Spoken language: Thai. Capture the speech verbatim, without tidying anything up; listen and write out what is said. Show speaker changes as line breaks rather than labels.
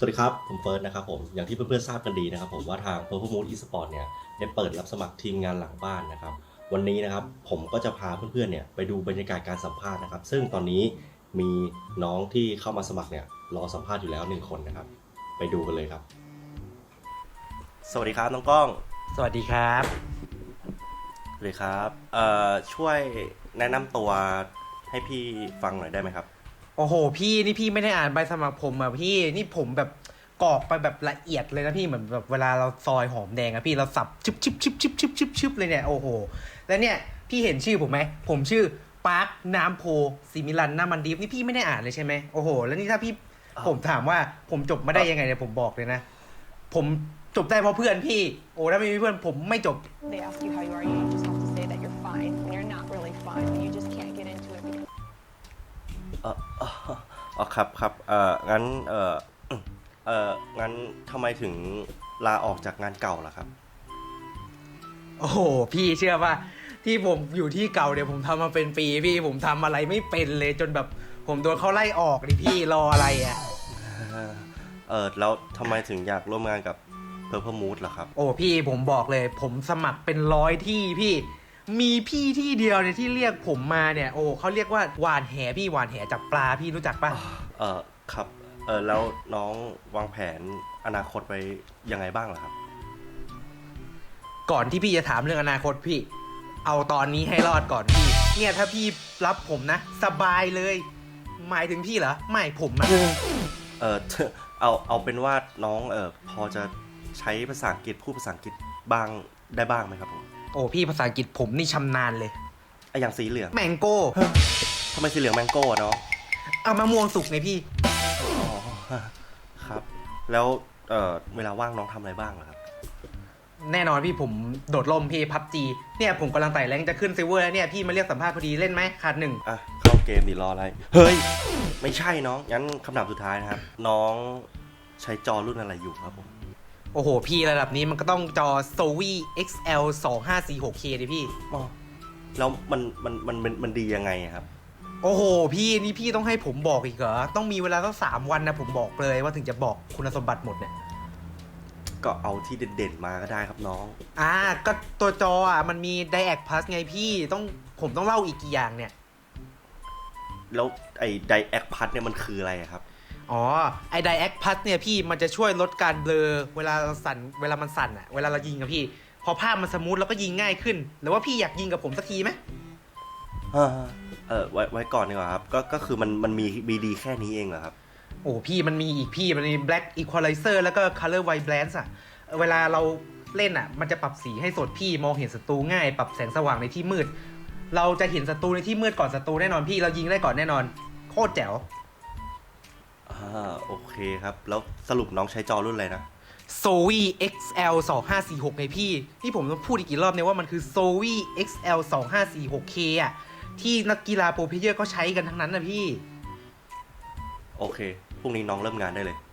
วัสดีครับผมเฟิร์สนะครับผมอย่างที่เพื่อนๆทราบกันดีนะครับผมว่าทาง Purple Moon Esport เนี่ยได้เปิดรับสมัครทีมงานหลังบ้านนะครับวันนี้นะครับผมก็จะพาเพื่อนๆเนี่ยไปดูบรรยากาศการสัมภาษณ์นะครับซึ่งตอนนี้มีน้องที่เข้ามาสมัครเนี่ยรอสัมภาษณ์อยู่แล้วหนึ่งคนนะครับไปดูกันเลยครับสวัสดีครับน้องก้อง
สวัสดีครับ
สวัสดีครับเอ่อช่วยแนะนำตัวให้พี่ฟังหน่อยได้ไหมครับ
โอ้โหพี่นี่พี่ไม่ได้อ่านใบสมัครผมอ่ะพี่นี่ผมแบบกรอกไปแบบละเอียดเลยนะพี่เหมือนแบบเวลาเราซอยหอมแดงอะพี่เราสับชิบชิบชิบชิบชิบชิบชิบเลยเนี่ยโอ้โหแล้วเนี่ยพี่เห็นชื่อผมไหมผมชื่อปาร์คน้ำโพซิมิลันน้ามันดีฟนี่พี่ไม่ได้อ่านเลยใช่ไหมโอ้โหแล้วนี่ถ้าพี่ผมถามว่าผมจบมาได้ยังไงเนี่ยผมบอกเลยนะผมจบได้เพราะเพื่อนพี่โอ้ถ้าไม่มีเพื่อนผมไม่จบ
They ask you how you are, you just have to say that you're fine when you're not really fine, when you just can't get into it because
เออเอออ๋อครับครับเอองั้นเออเอองั้นทำไมถึงลาออกจากงานเก่าล่ะครับ
โอ้โหพี่เชื่อป่ะที่ผมอยู่ที่เก่าเนี่ยผมทำมาเป็นปีพี่ผมทำอะไรไม่เป็นเลยจนแบบผมโดนเขาไล่ออกดิพี่รออะไรอ่ะ
เออแล้วทำไมถึงอยากร่วมงานกับ Purple Moon ล่ะครับ
โอ้พี่ผมบอกเลยผมสมัครเป็นร้อยที่พี่มีพี่ที่เดียวเนี่ยที่เรียกผมมาเนี่ยโอ้เขาเรียกว่าหวานแหพี่หวานแหจับปลาพี่รู้จักป่ะ
เออครับเออแล้วน้องวางแผนอนาคตไว้ยังไงบ้างล่ะครับ
ก่อนที่พี่จะถามเรื่องอนาคตพี่เอาตอนนี้ให้รอดก่อนพี่เนี่ยถ้าพี่รับผมนะสบายเลยหมายถึงพี่เหรอไม่ผมอะ
เออเอาเอาเป็นว่าน้องเออพอจะใช้ภาษาอังกฤษพูดภาษาอังกฤษบ้างได้บ้างไหมครับผม
โอ้พี่ภาษาอังกฤษผมนี่ชำนาญเลย
ไออย่างสีเหลือง
แมงโก้
ทำไมสีเหลืองแมงโก้เนาะ
เอามะม่วงสุกไงพี่
อ๋อครับแล้วเออเวลาว่างน้องทำอะไรบ้างล่ะครับ
แน่นอนพี่ผมโดดร่มพี่พับจีเนี่ยผมกำลังไต่แรงจะขึ้นซิลเวอร์แล้วเนี่ยพี่มาเรียกสัมภาษณ์พอดีเล่นไหมขาดหนึ่ง
อ่ะเข้าเกมดิรออะไรเฮ้ยไม่ใช่น้องงั้นคำถามสุดท้ายนะครับน้องใช้จอรุ่นอะไรอยู่ครับผม
โอ้โหพี่ระดับนี้มันก็ต้องจอ Zowie เอ็กซ์ แอล สองห้าสี่หก เค ดิพี่
อ๋อแล้วมันมันมันมันมันดียังไงครับ
โอ้โหพี่นี่พี่ต้องให้ผมบอกอีกเหรอต้องมีเวลาตั้งสามวันนะผมบอกเลยว่าถึงจะบอกคุณสมบัติหมดเนี่ย
ก็เอาที่เด่นๆมาก็ได้ครับน้อง
อ่าก็ตัวจออ่ะมันมี Direct Plus ไงพี่ต้องผมต้องเล่าอีกกี่อย่างเนี่ย
แล้วไอ้ Direct Plus เนี่ยมันคืออะไรครับ
อ๋อไอ้ Direct Plus เนี่ยพี่มันจะช่วยลดการเบลอเวลาเราสั่นเวลามันสั่นอ่ะเวลาเรายิงอะพี่พอภาพมันสมูทแล้วก็ยิงง่ายขึ้นหรือว่าพี่อยากยิงกับผมสักทีไหม
เออไว้ไว้ก่อนดีกว่าครับก็ก็คือมันมันมีมีดีแค่นี้เองเหรอครับ
โอ้พี่มันมีอีกพี่มันมี Black Equalizer แล้วก็ Color Vibrance อ่ะเวลาเราเล่นอ่ะมันจะปรับสีให้สดพี่มองเห็นศัตรูง่ายปรับแสงสว่างในที่มืดเราจะเห็นศัตรูในที่มืดก่อนศัตรูแน่นอนพี่เรายิงได้ก่อนแน่นอนโคตรแจ๋ว
อ่าโอเคครับแล้วสรุปน้องใช้จอรุ่นอะไรนะ
Zowie เอ็กซ์ แอล สองห้าสี่หกไงพี่ที่ผมต้องพูดอีกกี่รอบเนี่ยว่ามันคือ Zowie เอ็กซ์ แอล สองห้าสี่หก เค อ่ะที่นักกีฬาโปรเพลเยอร์เขาใช้กันทั้งนั้นนะพี่
โอเคพรุ่งนี้น้องเริ่มงานได้เลย